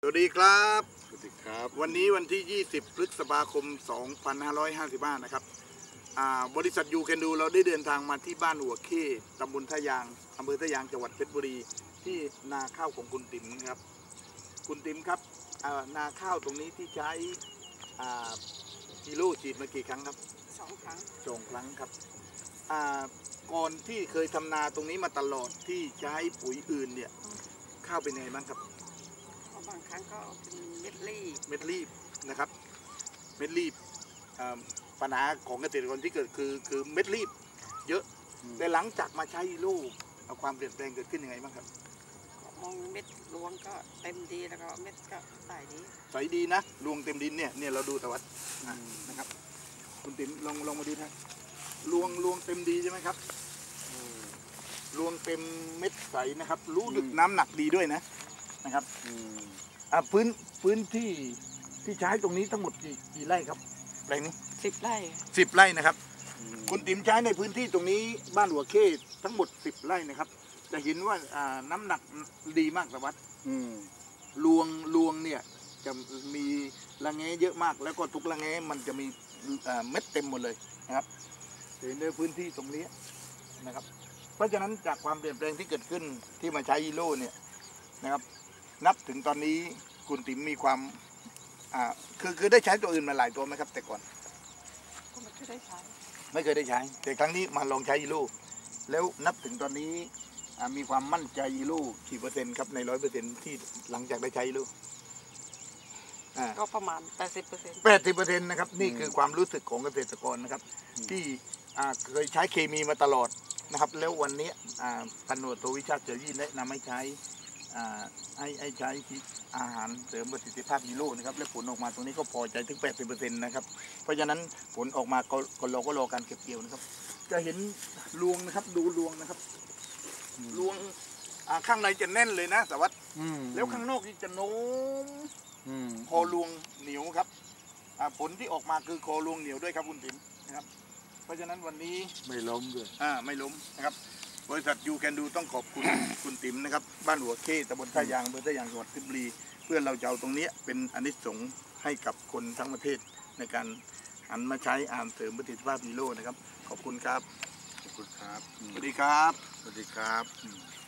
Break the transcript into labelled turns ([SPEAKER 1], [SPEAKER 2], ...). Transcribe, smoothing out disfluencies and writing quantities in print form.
[SPEAKER 1] วัสดีครับ
[SPEAKER 2] สวัสดีครับ
[SPEAKER 1] วันนี้วันที่ 20 พฤษภาคม 2555 นะครับบริษัทยูแคนดูเราได้เดินทางมาที่บ้านหัวเข้ตำบลท่ายางอำเภอท่ายางจังหวัดเพชรบุรีที่นาข้าวของคุณติ๋มครับคุณติ๋มครับนาข้าวตรงนี้ที่ใช้กิโลฉีดมากี่ครั้งครับ
[SPEAKER 3] 2 ครั้ง
[SPEAKER 1] 2 ครั้งครับก่อนที่เคยทำนาตรงนี้มาตลอดที่ใช้ปุ๋ยอื่นเนี่ยข้าวเป็นไงบ้างครับ
[SPEAKER 3] บางครั้งก็เป็นเม็ด
[SPEAKER 1] รีบนะครับเม็ดรีบปัญหาของเกษตรกรที่เกิดคือเม็ดรีบเยอะแต่หลังจากมาใช้ลูกความเปลี่ยนแปลงเกิดขึ้นยังไงบ้างครับ
[SPEAKER 3] มองเม็ดรวงก็เต็มดีแล้วก็เม็ดก็ใส
[SPEAKER 1] ดีนะรวงเต็มดินเนี่ยเราดูตะวัดนะครับคุณติ๋มลองมาดูนะรวงเต็มดีใช่ไหมครับรวงเต็มเม็ดใสนะครับรู้ดึกน้ำหนักดีด้วยนะครับพื้นที่ใช้ตรงนี้ทั้งหมดกี่ไร่ครับแปลงนี้
[SPEAKER 3] 10 ไร่
[SPEAKER 1] 10 ไร่นะครับคุณติ๋มใช้ในพื้นที่ตรงนี้บ้านหัวเข้ทั้งหมด10 ไร่นะครับจะเห็นว่าน้ำหนักดีมากสวัสดิ์รวงเนี่ยจะมีระแงเยอะมากแล้วก็ทุกระแงมันจะมีเม็ดเต็มหมดเลยนะครับเห็นในพื้นที่ตรงนี้นะครับเพราะฉะนั้นจากความเปลี่ยนแปลงที่เกิดขึ้นที่มาใช้ฮีโร่เนี่ยนะครับนับถึงตอนนี้คุณติ๋มมีความคือได้ใช้ตัวอื่นมาหลายตัวไหมครับแต่ก่อน
[SPEAKER 3] ก็ไม่เคยได้ใช้
[SPEAKER 1] แต่ครั้งนี้มาลองใช้ฮีโร่แล้วนับถึงตอนนี้มีความมั่นใจฮีโร่กี่เปอร์เซ็นต์ครับใน100%ที่หลังจากได้ใช้ฮีโร่
[SPEAKER 3] ก็ประมาณ80%
[SPEAKER 1] นะครับนี่คือความรู้สึกของเกษตรกรนะครับที่เคยใช้เคมีมาตลอดนะครับแล้ววันนี้พันธุ์โทวิชาติเจริญแนะนำให้ใช้ใช้อาหารเสริมประสิทธิภาพฮีโร่นะครับและผลออกมาตรงนี้ก็พอใจถึง 80% นะครับเพราะฉะนั้นผลออกมาก็เราก็รอการเก็บเกี่ยวนะครับจะเห็นรวงนะครับดูรวงนะครับรวงข้างในจะแน่นเลยนะสวัสดิ์แล้วข้างนอกนี่จะโน้มคอรวงเหนียวครับผลที่ออกมาคือคอรวงเหนียวด้วยครับคุณติ๋มนะครับเพราะฉะนั้นวันนี้
[SPEAKER 2] ไม่ล้มด้วย
[SPEAKER 1] ไม่ล้มนะครับบริษัทยูแคนดูต้องขอบคุณ คุณติ๋มนะครับบ้านหัวเข้ตำบลท่ายางอำเภอท่ายางจังหวัดเพชรบุรีเพื่อเราจะเอาตรงนี้เป็นอานิสงส์ให้กับคนทั้งประเทศในการหันมาใช้อาหารเสริมประสิทธิภาพฮีโร่นะครับขอบคุณครับ
[SPEAKER 2] ขอบคุณครับ
[SPEAKER 1] สวัสดีครับ
[SPEAKER 2] สวัสดีครับ